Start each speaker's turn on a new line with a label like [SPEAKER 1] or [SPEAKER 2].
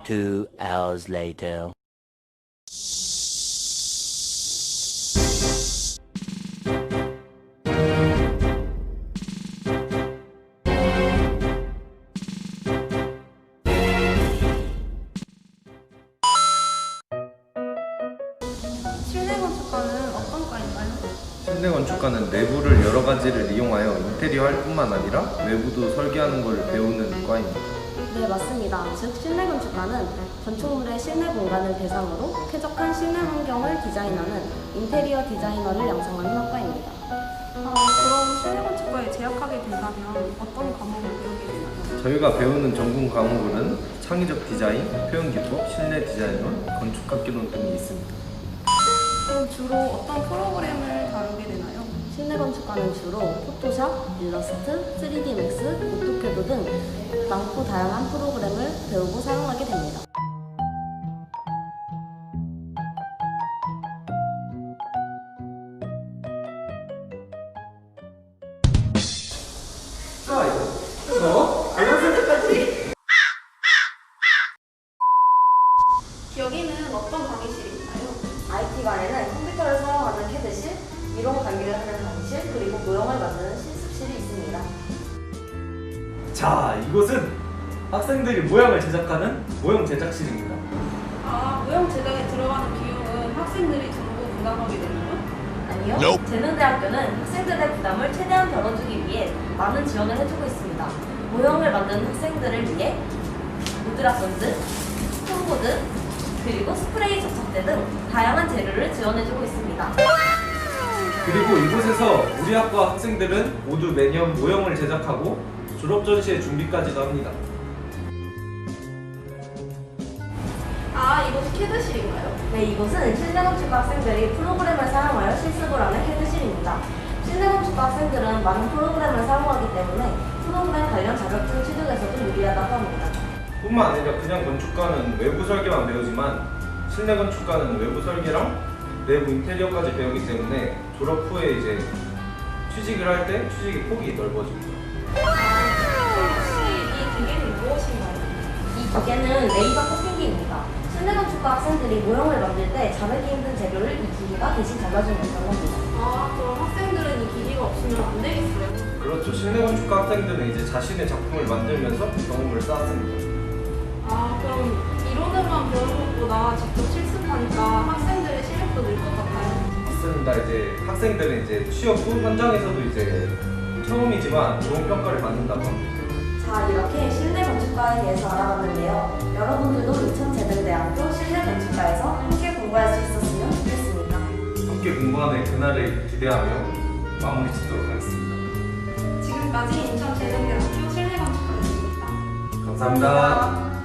[SPEAKER 1] 2 hours later.
[SPEAKER 2] 실내 건축과는 어떤 과인가요?
[SPEAKER 3] 실내 건축과는 내부를 여러 가지를 이용하여 인테리어 할 뿐만 아니라 외부도 설계하는 걸 배우는 과입니다.
[SPEAKER 4] 네, 맞습니다. 즉, 실내 건축가는 건축물의 실내 공간을 대상으로 쾌적한 실내 환경을 디자인하는 인테리어 디자이너를 양성하는 학과입니다.
[SPEAKER 2] 그럼 실내 건축과에 재학하게 된다면 어떤 과목을 배우게 되나요?
[SPEAKER 3] 저희가 배우는 전공 과목으로는 창의적 디자인, 표현기법, 실내 디자인론, 건축학기론 등이 있습니다.
[SPEAKER 2] 그럼 주로 어떤 프로그램을 다루게 되나요?
[SPEAKER 4] 실내 건축가는 주로 포토샵, 일러스트, 3D 맥스, 오토캐드 등 많고 다양한 프로그램을 배우고 사용하게 됩니다.
[SPEAKER 2] 여기는 어떤 강의실인가요?
[SPEAKER 4] IT관에는 컴퓨터를 사용하는 CAD실, 이론 관리를 하는 강의실, 그리고 모형을 만드는 실습실이 있습니다.
[SPEAKER 5] 자, 이곳은 학생들이 모형을 제작하는 모형 제작실입니다.
[SPEAKER 2] 모형 제작에 들어가는 비용은 학생들이 전부 부담하게 되나요?
[SPEAKER 4] 아니요. 재능대학교는 학생들의 부담을 최대한 덜어주기 위해 많은 지원을 해주고 있습니다. 모형을 만드는 학생들을 위해 무드라본드, 스톤보드, 그리고 스프레이 접착제 등 다양한 재료를 지원해주고 있습니다.
[SPEAKER 5] 그리고 이곳에서 우리 학과 학생들은 모두 매년 모형을 제작하고 졸업 전시회 준비까지도 합니다.
[SPEAKER 2] 이곳이 캐드실인가요?
[SPEAKER 4] 네, 이곳은 실내건축과 학생들이 프로그램을 사용하여 실습을 하는 CAD실입니다. 실내건축과 학생들은 많은 프로그램을 사용하기 때문에 프로그램 관련 자격증 취득에서도 유리하다고 합니다.
[SPEAKER 3] 뿐만 아니라 그냥 건축과는 외부 설계만 배우지만 실내 건축과는 외부 설계랑 내부 인테리어까지 배우기 때문에 졸업 후에 이제 취직을 할 때 취직의 폭이 넓어집니다.
[SPEAKER 2] 혹시 이 기계는 무엇인가요?
[SPEAKER 4] 이 기계는 레이저 커팅기입니다. 실내건축과 학생들이 모형을 만들 때 자르기 힘든 재료를 이 기계가 대신 잘라주는 겁니다.
[SPEAKER 2] 그럼 학생들은 이 기계가 없으면 안 되겠어요?
[SPEAKER 3] 그렇죠. 실내 건축과 학생들은 이제 자신의 작품을 만들면서 경험을 쌓았습니다.
[SPEAKER 2] 그럼 이론으로만 배우는 것보다 직접 실습하니까 학생들의 실력도 늘 것 같아요.
[SPEAKER 3] 맞습니다. 이제 학생들은 이제 취업 후 현장에서도 이제 처음이지만 좋은 평가를 받는다고 합니다.
[SPEAKER 4] 자, 이렇게 실내건축과에 대해서 알아봤는데요. 여러분들도 인천재능대학교 실내건축과에서 함께 공부할 수 있었으면 좋겠습니다.
[SPEAKER 3] 함께 공부하는 그날을 기대하며 마무리 짓도록 하겠습니다.
[SPEAKER 2] 지금까지 인천재능대학교 실내건축과였습니다.
[SPEAKER 3] 감사합니다.